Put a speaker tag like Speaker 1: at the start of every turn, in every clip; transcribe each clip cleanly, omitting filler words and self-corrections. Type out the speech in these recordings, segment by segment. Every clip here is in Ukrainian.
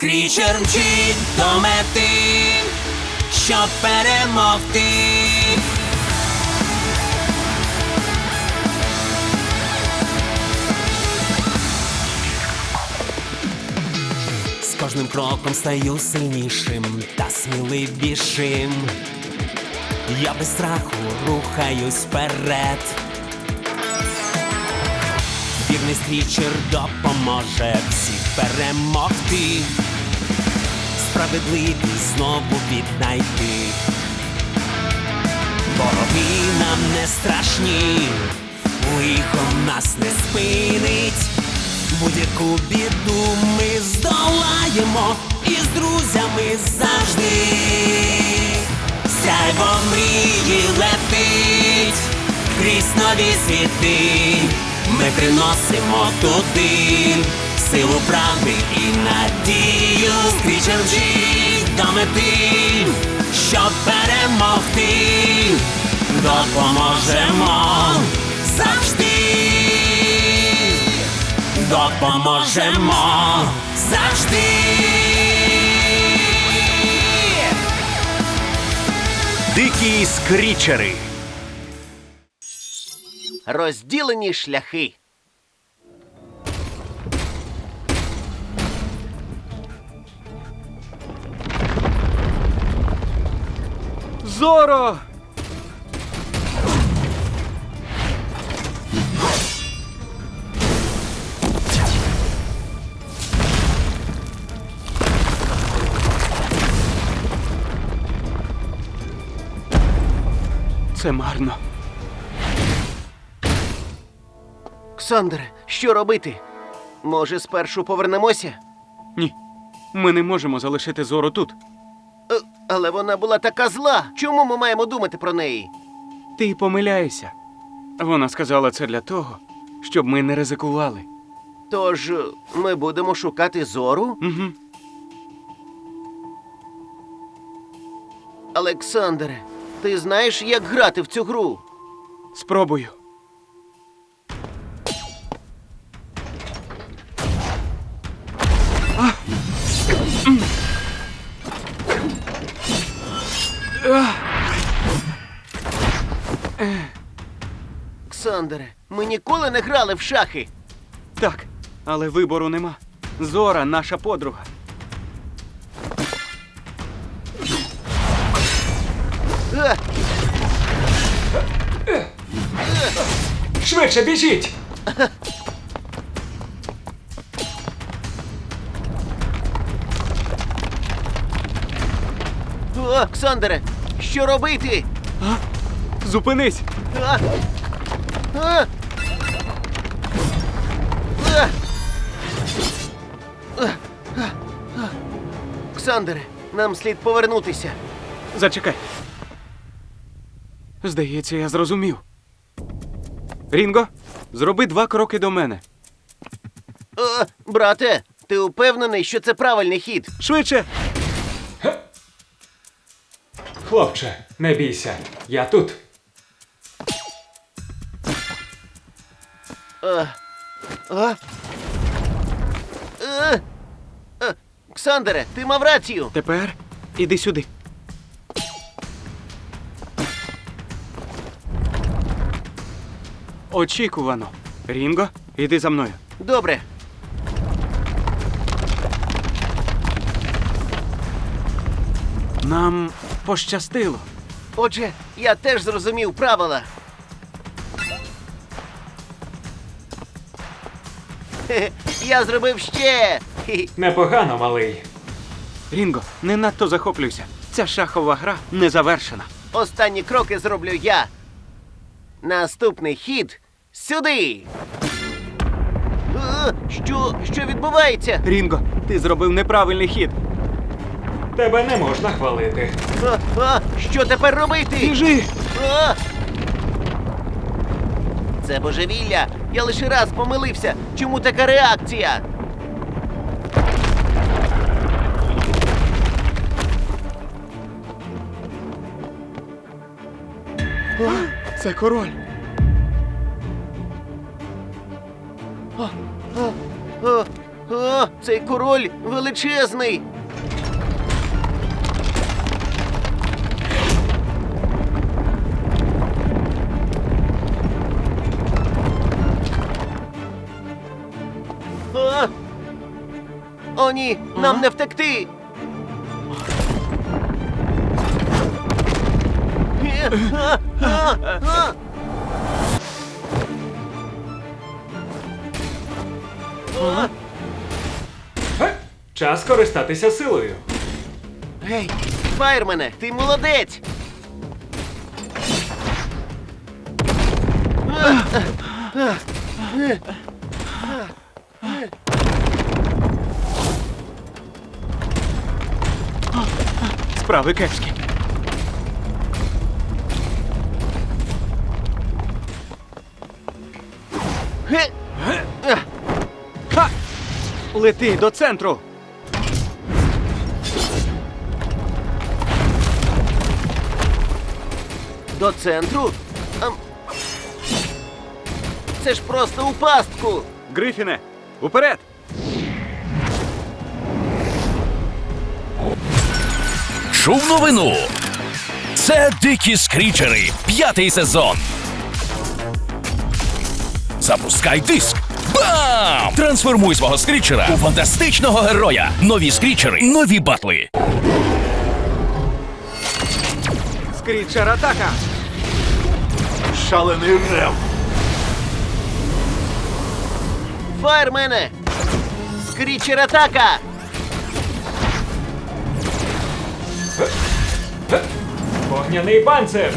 Speaker 1: Скрічер мчить до мети, щоб перемогти. З кожним кроком стаю сильнішим та сміливішим. Я без страху рухаюсь вперед. Вірний скрічер допоможе всіх перемогти, справедливість знову віднайти. Вороги нам не страшні, лихо нас не спинить. Будь-яку біду ми здолаємо і з друзями завжди. Сяйво мрії летить крізь нові світи. Ми приносимо туди силу правди і надію. Скрічер мчить до мети, щоб перемогти. Допоможемо завжди. Допоможемо завжди.
Speaker 2: Дикі скрічери.
Speaker 3: Розділені шляхи.
Speaker 2: Зоро! Це марно.
Speaker 3: Ксандре, що робити? Може, спершу повернемося?
Speaker 2: Ні, ми не можемо залишити Зору тут.
Speaker 3: Але вона була така зла. Чому ми маємо думати про неї?
Speaker 2: Ти помиляєшся. Вона сказала це для того, щоб ми не ризикували.
Speaker 3: Тож, ми будемо шукати Зору?
Speaker 2: Угу.
Speaker 3: Олександре, ти знаєш, як грати в цю гру?
Speaker 2: Спробую.
Speaker 3: Ксандре, ми ніколи не грали в шахи.
Speaker 2: Так, але вибору нема. Зора – наша подруга.
Speaker 3: А!
Speaker 2: Швидше біжіть!
Speaker 3: О, Ксандре, що робити?
Speaker 2: Зупинись!
Speaker 3: А! А! А! Ксандре, нам слід повернутися.
Speaker 2: Зачекай. Здається, я зрозумів. Рінго, зроби 2 кроки до мене.
Speaker 3: О, брате, ти упевнений, що це правильний хід?
Speaker 2: Швидше!
Speaker 4: Хлопче, не бійся, я тут.
Speaker 3: Ксандре, ти мав рацію.
Speaker 2: Тепер іди сюди. Очікувано. Рінго, іди за мною.
Speaker 3: Добре.
Speaker 2: Нам пощастило.
Speaker 3: Отже, я теж зрозумів правила. Хе-хе, я зробив ще. Хі-хі.
Speaker 4: Непогано, малий.
Speaker 2: Рінго, не надто захоплюйся. Ця шахова гра не завершена.
Speaker 3: Останні кроки зроблю я. Наступний хід сюди. Що відбувається?
Speaker 2: Рінго, ти зробив неправильний хід.
Speaker 4: Тебе не можна хвалити.
Speaker 3: Що тепер робити?
Speaker 2: Біжи!
Speaker 3: А! Це божевілля. Я лише раз помилився. Чому така реакція?
Speaker 2: Це король.
Speaker 3: О, цей король величезний. О! О, ні, нам не втекти. А!
Speaker 4: Час користатися силою.
Speaker 3: Гей, фаєрмене, ти молодець!
Speaker 2: Справи кепські.
Speaker 3: Ге!
Speaker 2: Ха! Лети до центру!
Speaker 3: До центру? Це ж просто у пастку!
Speaker 2: Грифіне, уперед!
Speaker 1: Чув новину. Це Дикі Скрічери, 5-й сезон. Запускай диск. Бам! Трансформуй свого скрічера у фантастичного героя. Нові скрічери, нові батли.
Speaker 2: Скрітчер атака!
Speaker 5: Шалений рев.
Speaker 3: Фаєрмене! Скрічер атака!
Speaker 4: Вогняний панцир!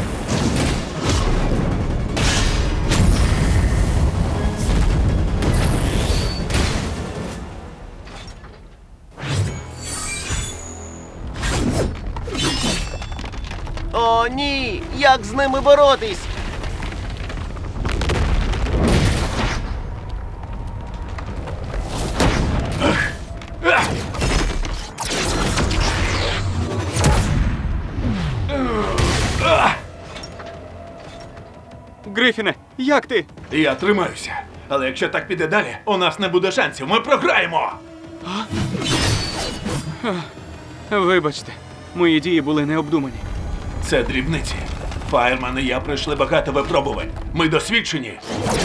Speaker 3: О, ні! Як з ними боротись?
Speaker 2: Грифіне, як ти?
Speaker 5: Я тримаюся. Але якщо так піде далі, у нас не буде шансів. Ми програємо.
Speaker 2: Вибачте, мої дії були необдумані.
Speaker 5: Це дрібниці. Фаєрман і я пройшли багато випробувань. Ми досвідчені.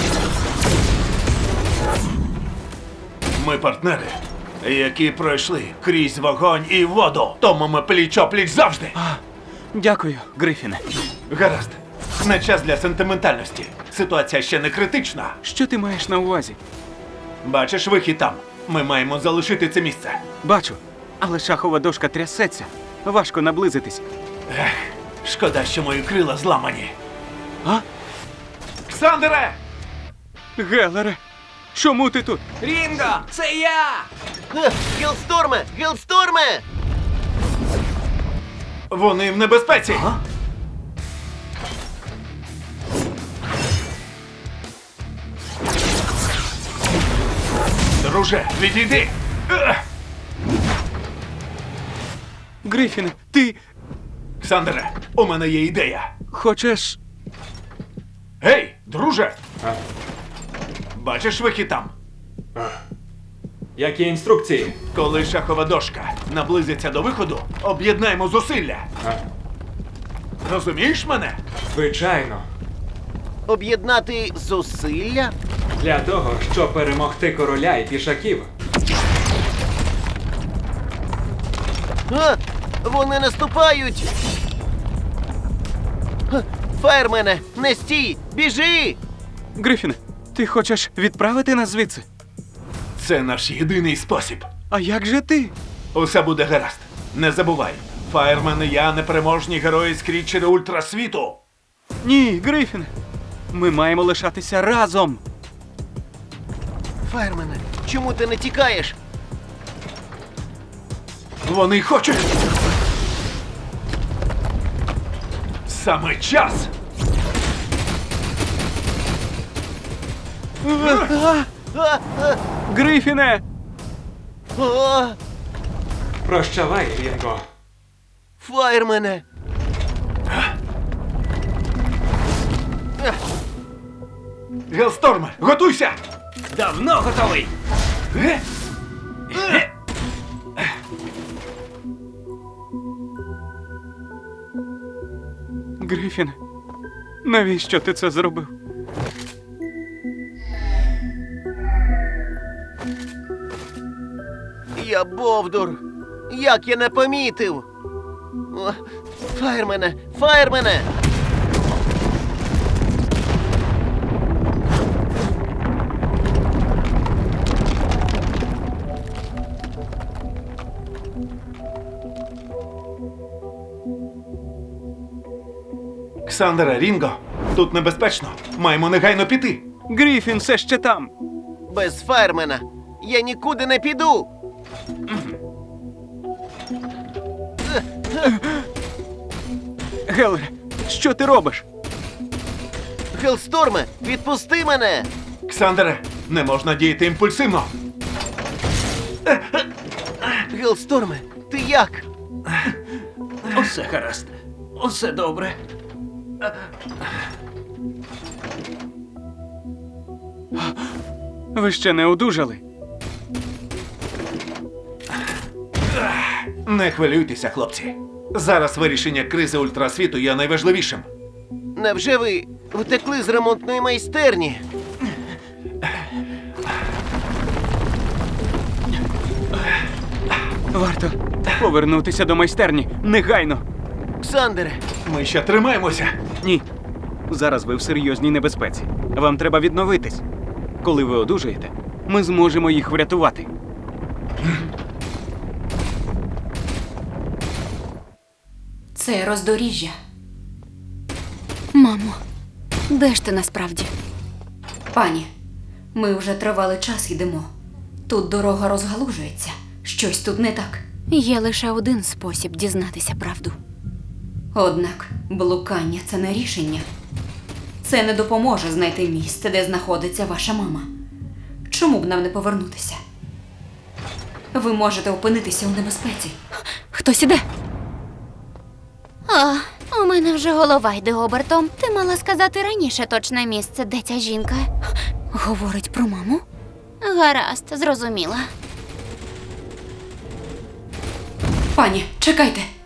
Speaker 5: Ми партнери, які пройшли крізь вогонь і воду. Тому ми пліч-о-пліч завжди.
Speaker 2: Дякую, Грифіне.
Speaker 5: Гаразд. Не час для сентиментальності. Ситуація ще не критична.
Speaker 2: Що ти маєш на увазі?
Speaker 5: Бачиш вихід там. Ми маємо залишити це місце.
Speaker 2: Бачу, але шахова дошка трясеться. Важко наблизитись.
Speaker 5: Шкода, що мої крила зламані.
Speaker 2: А?
Speaker 5: Ксандере!
Speaker 2: Гелере, чому ти тут?
Speaker 1: Рінго, це я!
Speaker 3: Гілсторме! Гілсторме!
Speaker 5: Вони в небезпеці. Друже, відійди!
Speaker 2: Грифіне, ти
Speaker 5: Ксандере, у мене є ідея.
Speaker 2: хочеш.
Speaker 5: Гей, друже! Бачиш вихід там?
Speaker 4: Які інструкції?
Speaker 5: Коли шахова дошка наблизиться до виходу, об'єднаємо зусилля. Розумієш мене?
Speaker 4: Звичайно.
Speaker 3: Об'єднати зусилля?
Speaker 4: Для того, щоб перемогти короля і пішаків.
Speaker 3: А, вони наступають! Фаєрмене, не стій! Біжи!
Speaker 2: Грифіне, ти хочеш відправити нас звідси?
Speaker 5: Це наш єдиний спосіб.
Speaker 2: А як же ти?
Speaker 5: Усе буде гаразд. Не забувай. Фаєрмен і я непереможні герої скрітчери ультрасвіту.
Speaker 2: Ні, Грифіне. Ми маємо лишатися разом.
Speaker 3: Фаєрмене, чому ти не тікаєш?
Speaker 5: Вони хочуть. Саме час.
Speaker 2: Грифіне!
Speaker 3: О,
Speaker 4: Прощавай, Рінго.
Speaker 3: фаєрмене!
Speaker 5: Гелсторме, готуйся!
Speaker 1: Давно готовий!
Speaker 5: Ге?
Speaker 2: Грифіне, навіщо ти це зробив?
Speaker 3: Я бовдур. Як я не помітив? О, фаєрмене! Фаєрмене!
Speaker 5: Ксандера, Рінго, тут небезпечно. Маємо негайно піти.
Speaker 2: Грифін все ще там.
Speaker 3: Без фаєрмена я нікуди не піду.
Speaker 2: Гелере, що ти робиш?
Speaker 3: Гелсторме, відпусти мене!
Speaker 5: Ксандере, не можна діяти імпульсивно.
Speaker 3: Гелсторме, ти як?
Speaker 6: Усе гаразд. Усе добре.
Speaker 2: Ви ще не одужали?
Speaker 5: Не хвилюйтеся, хлопці. Зараз вирішення кризи ультрасвіту є найважливішим.
Speaker 3: Невже ви втекли з ремонтної майстерні?
Speaker 2: Варто повернутися до майстерні негайно.
Speaker 3: Ксандере,
Speaker 5: Ми ще тримаємося.
Speaker 2: Ні. Зараз ви в серйозній небезпеці. Вам треба відновитись. Коли ви одужаєте, ми зможемо їх врятувати.
Speaker 7: Це роздоріжжя. Мамо, де ж ти насправді? Пані, ми вже тривалий час йдемо. Тут дорога розгалужується. Щось тут не так. Є лише один спосіб дізнатися правду. Однак блукання – це не рішення. Це не допоможе знайти місце, де знаходиться ваша мама. Чому б нам не повернутися? Ви можете опинитися у небезпеці. Хтось іде.
Speaker 8: А, у мене вже голова йде обертом. Ти мала сказати раніше точне місце, де ця жінка.
Speaker 7: Говорить про маму?
Speaker 8: Гаразд, зрозуміла.
Speaker 7: Пані, чекайте.